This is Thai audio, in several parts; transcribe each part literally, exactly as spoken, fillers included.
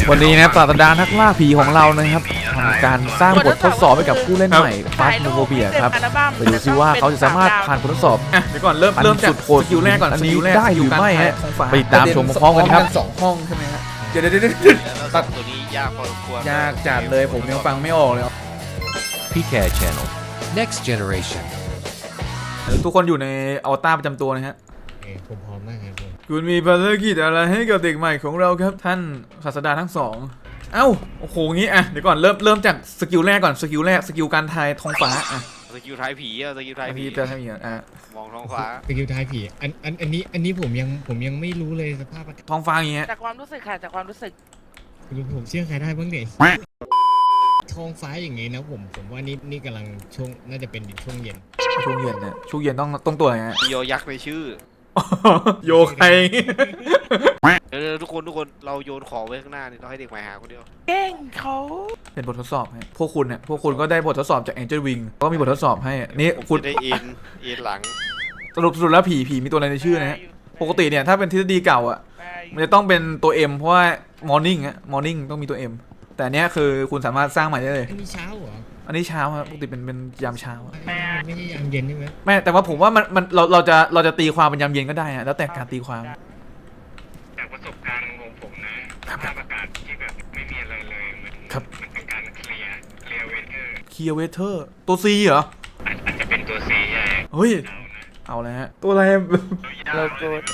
วันนี้นะครับศาสตราจารย์นักล่าผีของเรานะครับทำการสร้างบททดสอบให้กับผู้เล่นใหม่ฟาสโนโฟเบียครับไปดูซิว่าเขาจะสามารถผ่านบททดสอบอ่ะเดี๋ยวก่อนเริ่มเริ่มจากสกิลแรกก่อนอันสนี้กิลแรกได้หรือไม่ฮะของฟ้าไปตามชมพร้อมกันครับสองห้องใช่ไหมฮะเดี๋ยวเดี๋ยวเดี๋ยวตัดตัวนี้ยากพอสมควรยากจัดเลยผมยังฟังไม่ออกเลยพี เค Channel Next Generation ทุกคนอยู่ในอวตารประจำตัวนะฮะผมพร้อมมากครับผมคุณมีภารกิจอะไรให้กับเด็กใหม่ของเราครับท่านศาสดาทั้งสองเอ้าโอ้โหงี้อ่ะเดี๋ยวก่อนเริ่มเริ่มจากสกิลแรกก่อนสกิลแรกสกิลการทายท้องฟ้าอ่ะสกิลท้ายผีอะสกิลท้ายผีพี่จะทำอย่างอ่ะมองท้องฟ้าสกิลท้ายผีอันอันอันนี้อันนี้ผมยังผมยังไม่รู้เลยสภาพอากาศท้องฟ้าอย่างเงี้ยจากความรู้สึกค่ะจากความรู้สึกผมเชื่อใครได้บ้างเนี่ยท้องฟ้าอย่างงี้นะผมผมว่านี่นี่กำลังช่วงน่าจะเป็นช่วงเย็นช่วงเย็นเนี่ยช่วงเย็นต้องต้องตัวไหนฮะโยยักษ์ในชื่อโยใครเดี๋ยวทุกคนทุกคนเราโยนของไว้ข้างหน้านี่เราให้เด็กใหม่หาคนเดียวเก่งเขาเป็นบททดสอบให้พวกคุณเนี่ยพวกคุณก็ได้บททดสอบจาก Angel Wing ก็มีบททดสอบให้นี่ผมคุณจะได้เอ็นเอ็นหลังสรุปสรุปแล้วผีผีมีตัวอะไรในชื่อนะฮะปกติเนี่ยถ้าเป็นทฤษฎีเก่าอ่ะมันจะต้องเป็นตัว M เพราะว่า Morning อะ Morning ต้องมีตัว M แต่เนี้ยคือคุณสามารถสร้างใหม่ได้เลยอันนี้เช้าเหรออันนี้เช้าครับปกติเป็นเป็นยามเช้าอะมันไม่ใช่ยามเย็นใช่ไหมแม่แต่ว่าผมว่ามันมันเราเราจะเราจะตีความเป็นยามเย็นก็ได้ฮะแล้วแต่การตีความจากประสบการณ์ของผมนะสภาพอากาศที่แบบไม่มีอะไรเลยมันครับมันเป็นการเคลียร์เคลียร์เวเทอร์เคลียร์เวเทอร์ตัว C เหรออาจจะเป็นตัวซีใช่เฮ้ยเอาเลยฮะตัวอะไรเราโกรธ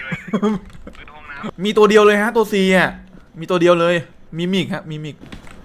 มีตัวเดียวเลยฮะตัว C อ่ะมีตัวเดียวเลยมิมิกฮะมิมิก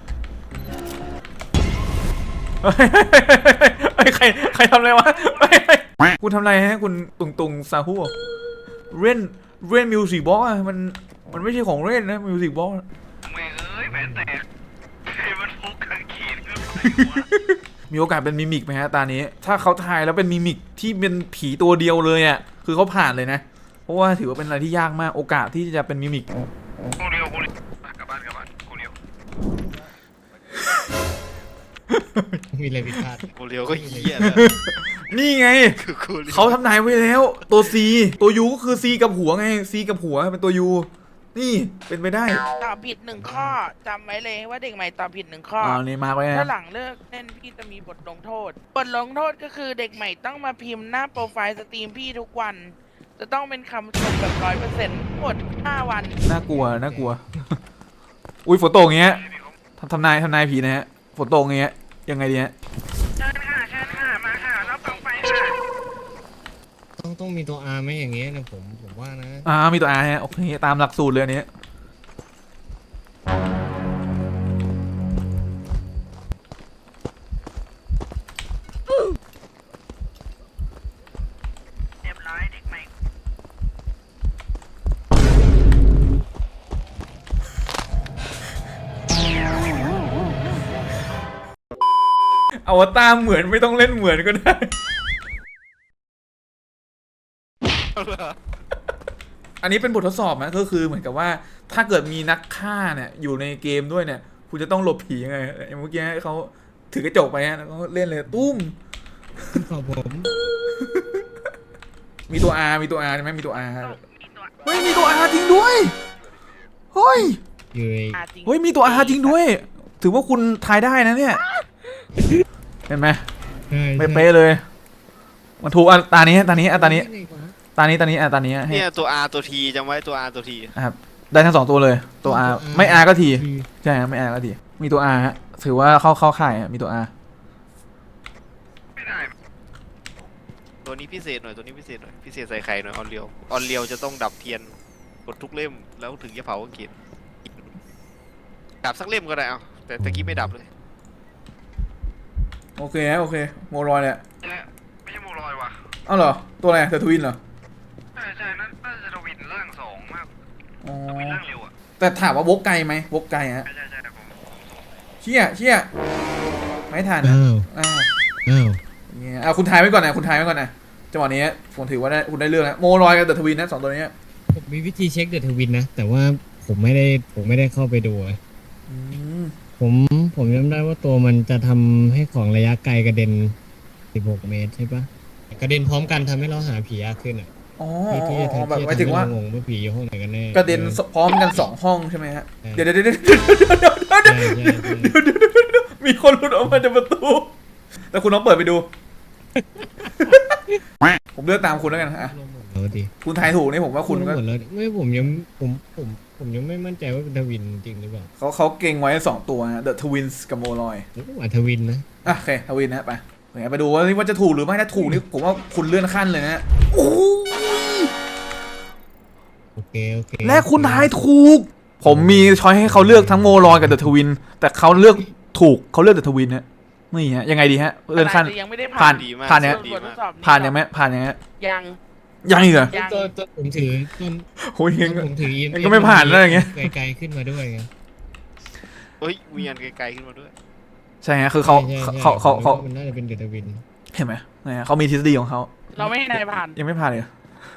เฮ้ยใครใครทำอะไรวะเฮ้ยเฮ้ยคุณทำอะไรฮะคุณตุงตุงซาฮูเล่นเล่นมิวสิกบ็อกอะมันมันไม่ใช่ของเล่นนะมิวสิกบ็อกไม่เอ้ยแหวนแตกไอ้มันฟุกกางเขนขึ้นไปวะมีโอกาสเป็นมิมิกไหมฮะตานี้ ถ้าเขาทายแล้วเป็นมิมิกที่เป็นผีตัวเดียวเลยอ่ะคือเขาผ่านเลยนะเพราะว่าถือว่าเป็นอะไรที่ยากมากโอกาสที่จะเป็นมิมิกกูเดียวกูเดียวกลับบ้านกลับบ้านกูเดียวมีอะไรผิดพลาดโคเรียวก็เหี้ยแล้วนี่ไงคือโคเรียวเขาทำนายไว้แล้วตัว C ตัว U ก็คือ C กับหัวไง C กับหัวเป็นตัว U นี่เป็นไปได้ตอบผิดหนึ่งข้อจำไว้เลยว่าเด็กใหม่ตอบผิดหนึ่งข้ออ่านี่มาไว้ถ้านะหลังเลิกเล่นพี่จะมีบทลงโทษ บทลงโทษก็คือเด็กใหม่ต้องมาพิมพ์หน้าโปรไฟล์สตรีมพี่ทุกวัน จะต้องเป็นคำชมแบบร้อยเปอร์เซ็นต์หมดห้าวันน่ากลัวน่ากลัว อุ้ยฝนตกอย่างเงี้ยทำทำนายทำนายผีนะฮะฝนตกอย่างเงี้ยยังไงดีฮะเชิญค่ะเชิญค่ะมาค่ะรับต่อไปค่ะต้องต้องมีตัว R ไหมอย่างเงี้ยนะผมผมว่านะอ่ามีตัว R ฮะโอเคตามหลักสูตรเลยอันนี้เรียบร้อยเด็กใหม่อวตารเหมือนไม่ต้องเล่นเหมือนก็ได้ อันนี้เป็นบททดสอบนะก็คือเหมือนกับว่าถ้าเกิดมีนักฆ่าเนี่ยอยู่ในเกมด้วยเนี่ยคุณจะต้องหลบผียังไงอย่างเมื่อกี้เขาถือกระจกไปฮะแล้วก็เล่นเลยตุ้มขอบผมมีตัว R มีตัว R ใช่ไหมมีตัว R เฮ้ยมีตัว R จริงด้วยเฮ้ยอยู่ในอ่ะจริงเฮ้ยมีตัว R จริงด้วย ถือว่าคุณทายได้นะเนี่ยเห็นไหมใช่ไม่เป๊ะเลยมันถูกอ่ะตานี้ตานี้อ่ะตานี้ตานี้ตานี้อ่ะตานี้ให้เนี่ยตัว R ตัว T จำไว้ตัว R ตัว T ครับได้ทั้งสองตัวเลยตัว R ไม่ R ก็ T ใช่ครับไม่ R ก็ T มีตัว R ฮะถือว่าเข้าเข้าข่ายฮะมีตัว R ไม่ได้ตัวนี้พิเศษหน่อยตัวนี้พิเศษหน่อยพิเศษใส่ไข่หน่อยออนเรียวออนเรียวจะต้องดับเทียนกดทุกเล่มแล้วถึงจะเผากางเขนดับสักเล่มก็ได้เอาแต่ตะกี้ไม่ดับเลยโอเคฮะโอเคโมรอยเนี่ยไม่ใช่โมลอยว่ะอ้าวเหรอตัวอะไรเดอะทวินเหรอใช่ใช่นั่นน่าจะทวินร่างสองมากอ๋อทวินร่างเร็วอ่ะแต่ถามว่าวกไกลไหมวกไกลฮะใช่ใช่ใช่ผมเชี่ยเชี่ยไม่ทันนะอ้าวอ่าอ้าวอย่างเงี้ยอ่ะคุณทายไว้ก่อนนะคุณทายไว้ก่อนนะจังหวะนี้ผมถือว่าได้คุณได้เรื่องแล้วโมรอยกับเดอะทวินนะสองตัวนี้ผมมีวิธีเช็คเดอะทวินนะ แต่ว่าผมไม่ได้ผมไม่ได้เข้าไปดูอะอืมผมผมจำได้ว่าตัวมันจะทำให้ของระยะไกลกระเด็นสิบหกเมตรใช่ปะกระเด็นพร้อมกันทำให้เราหาผียากขึ้นอ่ะอ๋อที่ที่จะอ๋อทำแบบที่หมายถึงว่างงว่าผีอยู่ห้องไหนกันแน่กระเด็นพร้อมกันสองห้องใช่ไหมฮะใช่เดี๋ยวเดี๋ยวเดี๋ยวเดี๋ยวเดี๋ยวเดี๋ยวใช่ใช่ใช่มีคนหลุดออกมาจากประตูแต่คุณน้องเปิดไปดู ผมเลือกตามคุณแล้วกันฮะลงหมดแล้วดิคุณทายถูกนี่ผมว่าคุณลงก็หมดแล้วดิไม่ผมยังผมผมผมยังไม่มั่นใจว่าเป็นทวินจริงหรือเปล่า เขาเขาเขาเก่งไว้สองตัวฮะ The Twins กับโมลอยอาจทวินนะอ่ะโอเคทวินนะไปโอเคไปดูว่าว่าจะถูกหรือไม่ถ้าถูกนี่ผมว่าคุณเลื่อนขั้นเลยนะโอ้ยโอเคโอเคและคุณทายถูก ผมมีช้อยให้เขาเลือกทั้งโมลอยกับ The Twin แต่เขาเลือกถูกเขาเลือก The Twin ฮะนี่ฮะยังไงดีฮะเลื่อนขั้นแต่ยังไม่ได้ผ่าผ่าน นดีมากผ่านเนี่ยดีบททมาดกสอบผ่านยังไหมผ่านยังไงยังยังอีกเหรอยังตัวตัวผมถือต้นโอ้ยยังต้นผมถือยังก็ไม่ผ่านแล้วอย่างเงี้ยไกลๆขึ้นมาด้วยไงเฮ้ยมีอันไกลๆขึ้นมาด้วยใช่ฮะคือเขาใช่ใช่เขาเขาเขาผมว่มันน่าจะเป็นเดอะทวินเห็นไหมเนี่ยเขามีทฤษฎีของเขาเราไม่ให้นายผ่านยังไม่ผ่านเลย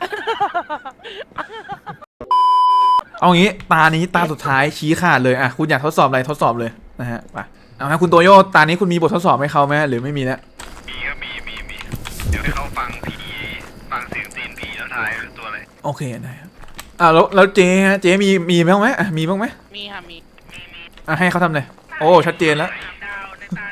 เอางี้ตานี้ตาสุดท้ายชี้ขาดเลยอ่ะคุณอยากทดสอบอะไรทดสอบเลยนะฮะไปเอาฮะคุณโตโย่ตานี้คุณมีบททดสอบให้เขาไหมหรือไม่มีแล้วมีก็มีมีมีเดี๋ยวให้เขาฟังผีฟังเสียงตีนผีแล้วทายเป็นตัวอะไรโอเคได้ครับอ่าแล้วแล้วเจ๊ฮะเจ๊มีมีบ้างไหมอ่ะมีบ้างไหมมีค่ะมีอ่ะให้เขาทำเลยโอ้ชัดเจนแล้วดาวในตา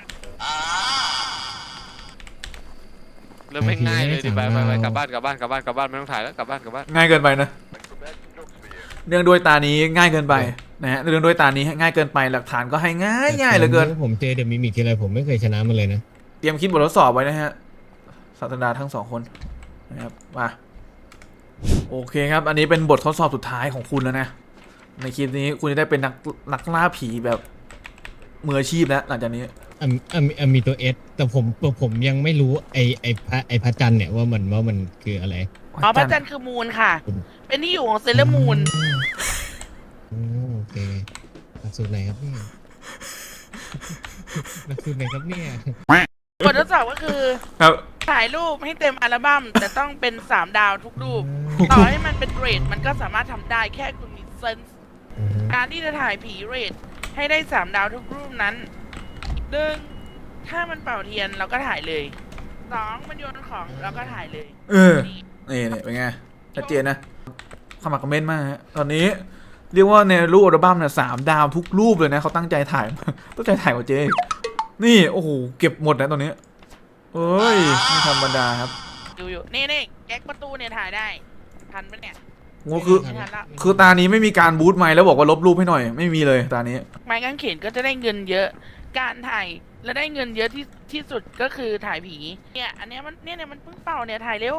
เริ่มไม่ง่ายเลยดิไปไปไปกลับบ้านกลับบ้านกลับบ้านกลับบ้านไม่ต้องถ่ายแล้วกลับบ้านกลับบ้านง่ายเกินไปนะเรื่องด้วยตานี้ง่ายเกินไปนะฮะเรื่องด้วยตานี้ง่ายเกินไปหลักฐานก็ให้ง่ายง่ายเหลือเกินผมเจอเดอะมิมิกทีไรผมไม่เคยชนะมันเลยนะเตรียมคิดบททดสอบไว้นะฮะศาสตราจารย์ทั้งสองคนนะครับมาโอเคครับ อันนี้เป็นบททดสอบสุดท้ายของคุณแล้วนะในคลิปนี้คุณจะได้เป็นนักนักล่าผีแบบมืออาชีพแล้วหลังจากนี้อ่ะอ่ะมีอ่ะมีตัวเอสแต่ผมผมยังไม่รู้ไอไอพระไอพระจันทร์เนี่ยว่ามันว่ามันคืออะไรอ๋อพระจันทร์คือมูนค่ะ เป็นที่อยู่ของเซเลอร์มูนอืมโอเคหลักสูตรไหนครับเนี่ยหลักสูตรไหนครับเนี่ยบททดสอบก็คือครับถ่ายรูปให้เต็มอัลบั้มแต่ต้องเป็นสามดาวทุกรูป ต่อให้มันเป็นเรทมันก็สามารถทำได้แค่คุณมีเซนส์อือฮึการที่จะถ่ายผีเรทให้ได้สามดาวทุกรูปนั้นหนึ่งถ้ามันเป่าเทียนเราก็ถ่ายเลยสองมันโยนของเราก็ถ่ายเลยเออนี่นี่เป็นไงชัดเจนนะขมักเขม้นมากฮะตอนนี้เรียกว่าในรูปอัลบั้มเนี่ยสามดาวทุกรูปเลยนะเขาตั้งใจถ่าย ตั้งใจถ่ายกว่าเจ๊อีกนี่โอ้โหเก็บหมดนะตอนนี้เอ้ยไม่ธรรมดาครับดูอยู่นี่นี่แก๊กประตูเนี่ยถ่ายได้ทันปะเนี่ยโง่คือไม่ทันละคือตานี้ไม่มีการบูทไมค์แล้วบอกว่าลบรูปให้หน่อยไม่มีเลยตานี้ไม้กางเขนก็จะได้เงินเยอะ การถ่ายและได้เงินเยอะที่ที่สุดก็คือถ่ายผี เนี่ย อันเนี้ยมันเนี่ยเนี่ยมันเพิ่งเป่าเนี่ยถ่ายเร็ว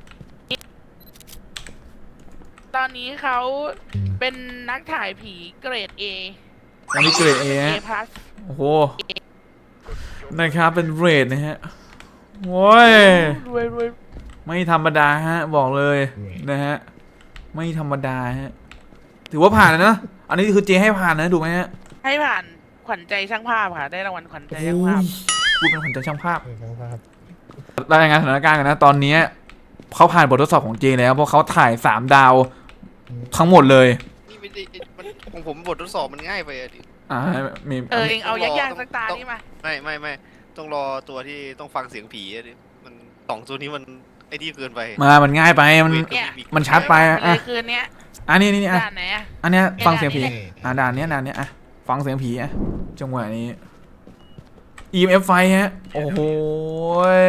ตอนนี้เขาเป็นนักถ่ายผีเกรด A อันนี้เกรดเอ A ฮะ plus โอ้โหนะครับเป็นเรทนะฮะโว้ยรวยรวยไม่ธรรมดาฮะบอกเลยนะฮะไม่ธรรมดาฮะถือว่าผ่านแล้วนะอันนี้คือเจให้ผ่านนะดูไหมฮะให้ผ่านขวัญใจช่างภาพค่ะ ได้รางวัลขวัญใจโอ้ช่างภาพยพูดเป็นคนใจช่างภาพเออครับรายงานสถานการณ์กันนะตอนนี้เขาผ่านบททดสอบของเจแล้วเพราะเขาถ่ายสามดาวทั้งหมดเลยนี่ไม่ได้มันของผมบททดสอบมันง่ายไปอะดิอ่ามีเออเองเอายากๆสักตานี่มาไม่ไม่ไม่ต้องรอตัวที่ต้องฟังเสียงผีอะดิมันสองตัวนี้มันไอ้นี่เกินไปมามันง่ายไปมันเวทกับมิมิกมันชัดไปอะเลอ่ะยคืนเนี้ยอันนี้นี่นี่อ่ะด่านไหนอะอันเนี้ยฟังเสียงผีด่านนี้อ่าด่านเนี้ยด่านเนี้ยอ่ะฟังเสียงผีอ่ะจังหวะนี้ อี เอ็ม เอฟ ไฟฮะโอ้โหย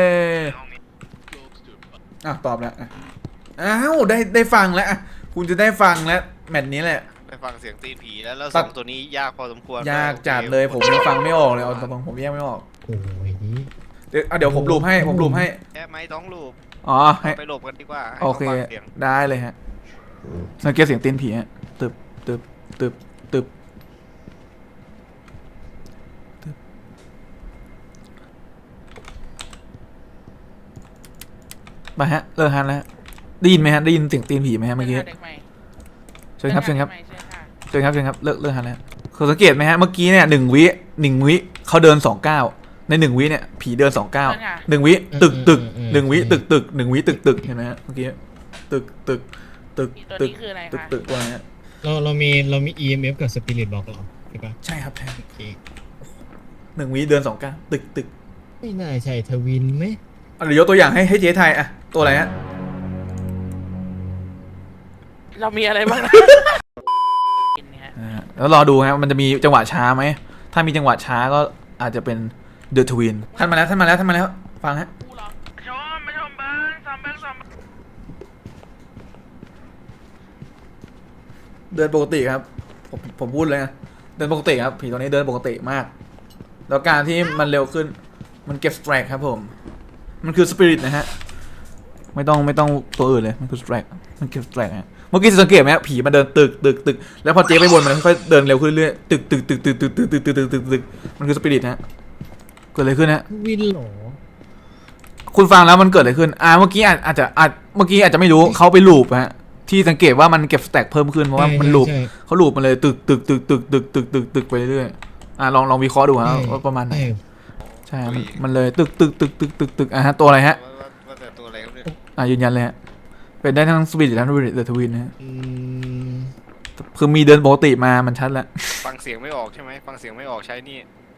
อ่ะตอบแล้วอ่ะอ้าวได้ได้ฟังแล้วอ่ะคุณจะได้ฟังแล้วแมตช์นี้แหละไปฟังเสียงตีนผีแล้วแล้วตัสดองตัวนี้ยากพอสมควรยากจัดเลยผมยังฟังไม่ออกเลยเอาตรงๆผมแยกไม่ออกโอ้ยเดี๋ยวอ่ะเดี๋ยวผมรูปให้ผมรูปให้แค่ไม้ต้องลูบอ๋อให้ไปหลบกันดีกว่าให้โอขาเคฟังเสียงได้เลยฮะสังเกตเสียงตีนผีฮะตึบตึบตึบตึบตึบมาฮะเลิกฮันแล้วได้ยินไหมฮะได้ยินเสียงตีนผีไหมฮะเมื่อกี้เด็กใหม่เชิญครับเชิญครับด็กใหม่เชิญค่ะเชิญครับเชิญครับเลิกเลิกฮันแล้วคือสังเกตไหมฮะเมื่อกี้เนี่ยหนึ่งวิหนึ่งวิเขาเดินสองเก้าในหนึ่งวิเนี่ยผีเดินสองเก้าหนึ่งวิตึกตึกหนึ่งวิตึกตึกหนึ่งวิตึกตึกเห็นไหมฮะเมื่อกี้ตึกตึกตึกตัวตึกนี้คืออะไรตึกคะตึกตัวเนี้ยเราเรามีเรามี อี เอ็ม เอฟ กับ Spirit Box เหรอใช่ปะใช่ครับใช่โอเคหนึ่งวิเดินสองเก้าตึกตึกไม่น่าใช่ทวินไหมอ่ะเดี๋ยวยกตัวอย่างให้ให้เจ๊ไทยอ่ะตัวอะไรฮะเรามีอะไรบ้างนะนะฮะแล้วรอดูฮะมันจะมีจังหวะช้าไหมถ้ามีจังหวะช้าก็อาจจะเป็นเดอะทวินท่านมาแล้วท่านมาแล้วท่านมาแล้วฟังฮะกูเหรอชมไม่ชมเบิ้งซ้อมเบิ้งซ้อมเบิ้งเดินปกติครับผมผมพูดเลยนะเดินปกติครับผีตัวนี้เดินปกติมาก แล้วการที่มันเร็วขึ้นมันเก็บสแตรกครับผมมันคือสปิริตนะฮะไม่ต้องไม่ต้องตัวอื่นเลยมันคือสแตรกมันเก็บสแตรกฮะเมื่อกี้สังเกตไหมฮะผีมันเดินตึกตึกตึกแล้วพอเจ๊ไปบนมันค่อยๆเดินเร็วขึ้นเรื่อยๆตึกตึกตึกตึกตึกตึกตึกตึกตึกตึกตึกมันคือสปิริตฮะเกิดอะไรขึ้นฮะวินเหรอคุณฟังแล้วมันเกิดอะไรขึ้นอ่าเมื่อกี้อาจอาจจะอาจเมื่อกี้อาจจะไม่รู้เขาไปลูปฮะที่สังเกตว่ามันเก็บสแต็กเพิ่มขึ้นเพราะว่ามันลูปใช่เขาลูปมันเลยตึกตึกตึกตึกตึกตึกตึกตึกไปเรื่อยๆอ่าลองลองวิเคราะห์ดูฮะใช่ว่าประมาณไหนใช่ใช่มันมันเลยตึกตึกตึกตึกตึกตึกอ่ะฮะตัวอะไรฮะว่าว่าแต่ตัวอะไรครับเนี่ยอ่ายืนยันเลยฮะเป็นได้ทั้งสปิริตและเดอะทวินนะฮะอืมคือมีเดินปกติมามันชัดแล้วฟังเสียงไม่ออกใช่ไหมฟังเสียงไม่ออกใช้นี่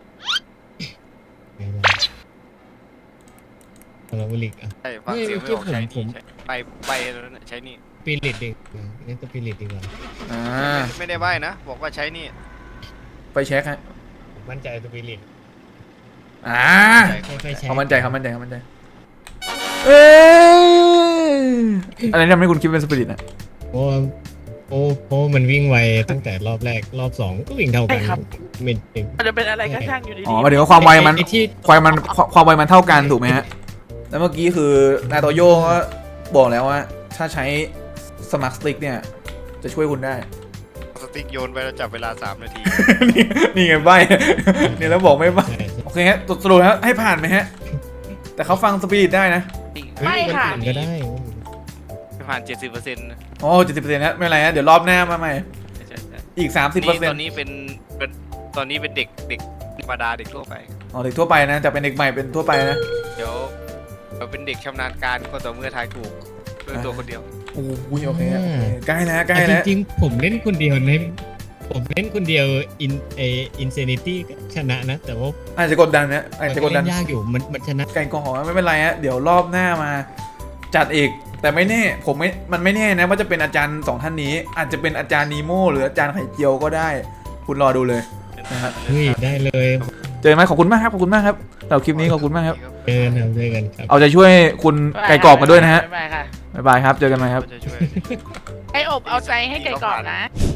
พลาวิลิกอ่ะใช่ฟังเสียงไม่ออกใช้ผมนี่ใช้ไปไปแล้วนะใช้นี่สปิริตดีกว่านี่สปิริตดีกว่าอ่าไม่ได้ใบนะบอกว่าใช้นี่ไปเช็คฮะผมมั่นใจสปิริตอ่าค่อยๆใช้เขามั่นใจเขามั่นใจเขามั่นใจเอ้ยอะไรที่ทำให้คุณคิดเป็นสปิริตอ่ะเพราะว่าโอ้เพราะมันวิ่งไวตั้งแต่รอบแรกรอบสองก็วิ่งเท่ากันไม่ถึงมันจะเป็นอะไรก็ช่างอยู่ดีอ๋อหมายถึงว่าความไวมันไอ้ที่ความมันความไวมันเท่ากันถูกไหมฮะ แล้วเมื่อกี้คือนาโตโย่ก็บอกแล้วว่า ถ้าใช้สมาร์ทสติ๊กเนี่ย จะช่วยคุณได้สติ๊กโยนไปแล้วจับเวลาสามนาทีนี่นี่ไงใบ เนี่ยแล้วบอกไม่ใบใช่โอเคฮะสรุปฮะให้ผ่านไหมฮะ แต่เขาฟังสปิริตได้นะไม่ค่ะคนอื่นก็ได้ผ่านเจ็ดสิบเปอร์เซ็นต์โอ้เจ็ดสิบเปอร์เซ็นต์ฮะไม่เป็นไรฮะเดี๋ยวรอบหน้ามาใหม่ใช่ใช่อีกสามสิบเปอร์เซ็นตอต์นนี้เป็นเป็นตอนนี้เป็นเด็กเด็กธรรมดาเด็กทั่วไปอ๋อเด็กทั่วไปนะจะเป็นเด็กใหม่เป็นทั่วไปนะเดี๋ยวเราเป็นเด็กชำนาญการก็ต่อเมื่อทายถูกด้วยตัวคนเดียวโอ้ยโอเคฮะใกล้แล้วใกล้แต่แล้วจริงๆผมเล่นคนเดียวนะผมเล่นคนเดียวอินเออินเซนิตี้ก็ชนะนะ แต่ว่าอาจจะกดดันนะอาจจะกดดันเล่นยากอยู่มันมันชนะไก่กอไม่เป็นไรฮะเดี๋ยวรอบหน้ามาจัดอีกแต่ไม่แน่ผมไม่มันไม่แน่นะว่าจะเป็นอาจารย์สองท่านนี้ อาจจะเป็นอาจารย์นีโม่หรืออาจารย์ไข่เจียวก็ได้ คุณรอดูเลยนะฮะเฮ้ยได้เลยเจอไหมขอบคุณมากครับขอบคุณมากครับสำหรับคลิปนี้ขอบคุณมากครับเจอกันครับเจอกันครับเอาใจช่วยคุณไก่กรอบมาด้วยนะฮะบ๊ายบายค่ะบ๊ายบายครับเจอกันใหม่ครับจะช่วยไออบเอาใจให้ไก่กรอบนะ